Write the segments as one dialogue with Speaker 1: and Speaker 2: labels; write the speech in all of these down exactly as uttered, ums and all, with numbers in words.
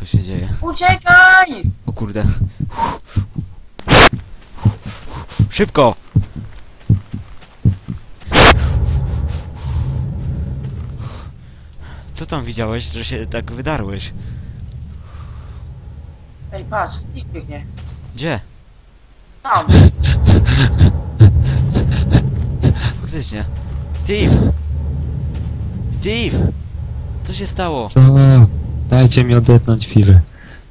Speaker 1: Co się dzieje?
Speaker 2: Uciekaj!
Speaker 1: O kurde. Szybko! Co tam widziałeś, że się tak wydarłeś?
Speaker 2: Ej, patrz, nikt biegnie.
Speaker 1: Gdzie?
Speaker 2: Tam.
Speaker 1: Faktycznie. Steve! Steve! Co się stało?
Speaker 3: Co? Dajcie mi odetchnąć chwilę.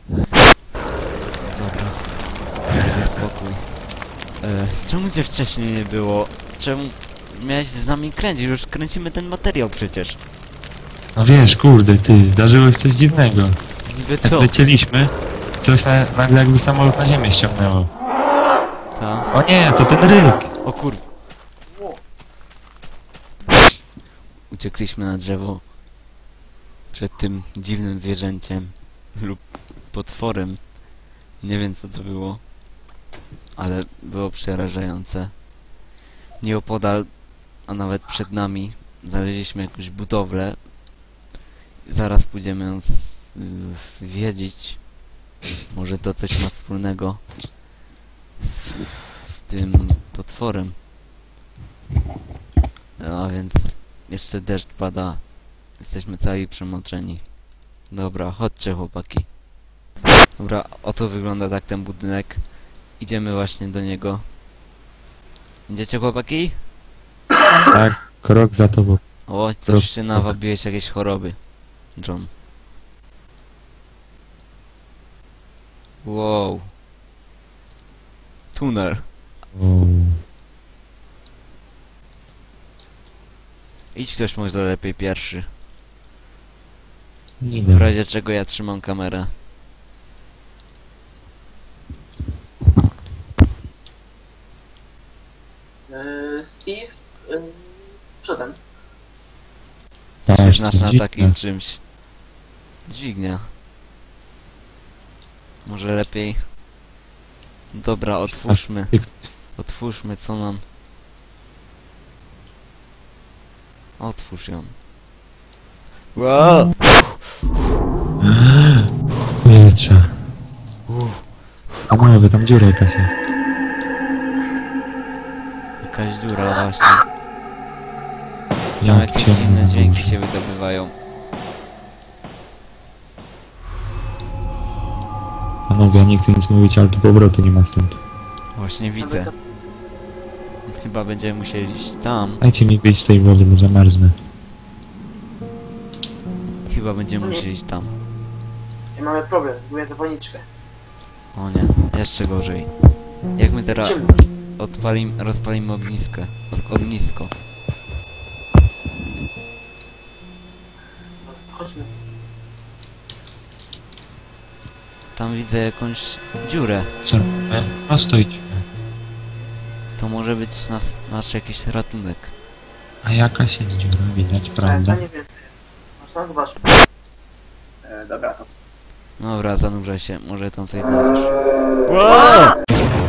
Speaker 1: Dobra. Będzie spokój. E, czemu cię wcześniej nie było? Czemu miałeś z nami kręcić? Już kręcimy ten materiał przecież.
Speaker 3: No wiesz, kurde, ty, zdarzyło się coś dziwnego.
Speaker 1: Niby
Speaker 3: Jak
Speaker 1: co?
Speaker 3: lecieliśmy, coś na, nagle jakby samolot na ziemię ściągnęło.
Speaker 1: Ta.
Speaker 3: O nie, to ten ryk!
Speaker 1: O kur... Uciekliśmy na drzewo przed tym dziwnym zwierzęciem lub potworem. Nie wiem co to było, ale było przerażające. Nieopodal, a nawet przed nami znaleźliśmy jakąś budowlę. Zaraz pójdziemy ją zwiedzić. Może to coś ma wspólnego z, z tym potworem. A więc jeszcze deszcz pada. Jesteśmy cali przemoczeni. Dobra, chodźcie chłopaki. Dobra, oto wygląda tak ten budynek. Idziemy właśnie do niego. Idziecie chłopaki?
Speaker 3: Tak, krok za tobą.
Speaker 1: O, coś się nawabiłeś, jakieś choroby. John. Wow. Tunel.
Speaker 3: O,
Speaker 1: Idź ktoś może lepiej pierwszy.
Speaker 3: nie
Speaker 1: W
Speaker 3: wiem.
Speaker 1: razie czego ja trzymam kamerę.
Speaker 2: Yy, Steve, yy, przodem.
Speaker 1: Ty
Speaker 3: Tak,
Speaker 1: się znasz na
Speaker 3: dziwne.
Speaker 1: takim czymś. Dźwignia. Może lepiej... Dobra, otwórzmy. Otwórzmy, co nam... Otwórz ją. Wow!
Speaker 3: Powietrze. A moja, tam dziura jakaś jest.
Speaker 1: Jakaś dziura właśnie. Tam
Speaker 3: Jak
Speaker 1: jakieś
Speaker 3: ciemno
Speaker 1: dziwne
Speaker 3: na
Speaker 1: dźwięki
Speaker 3: górze.
Speaker 1: się wydobywają.
Speaker 3: Panowie, ja nie chcę nic mówić, ale tu powrotu nie ma stąd.
Speaker 1: Właśnie widzę. Chyba będziemy musieli iść tam.
Speaker 3: Dajcie mi wyjść z tej wody, bo zamarznę.
Speaker 1: Chyba będziemy musieli iść tam.
Speaker 2: I mamy problem, zgubię zapalniczkę.
Speaker 1: O nie, jeszcze gorzej. Jak my teraz
Speaker 2: Ciemno.
Speaker 1: odpalimy, rozpalimy ogniskę. o- Ognisko.
Speaker 2: Chodźmy.
Speaker 1: Tam widzę jakąś dziurę.
Speaker 3: Co robimy? No stoicie.
Speaker 1: To może być nas, nasz jakiś ratunek.
Speaker 3: A jakaś jest dziura, widać,
Speaker 2: E,
Speaker 3: prawda?
Speaker 2: to nie więcej. Masz tam, zobacz. E, dobra, to...
Speaker 1: Dobra, zanurzaj się, może tam coś znajdziesz. Wow!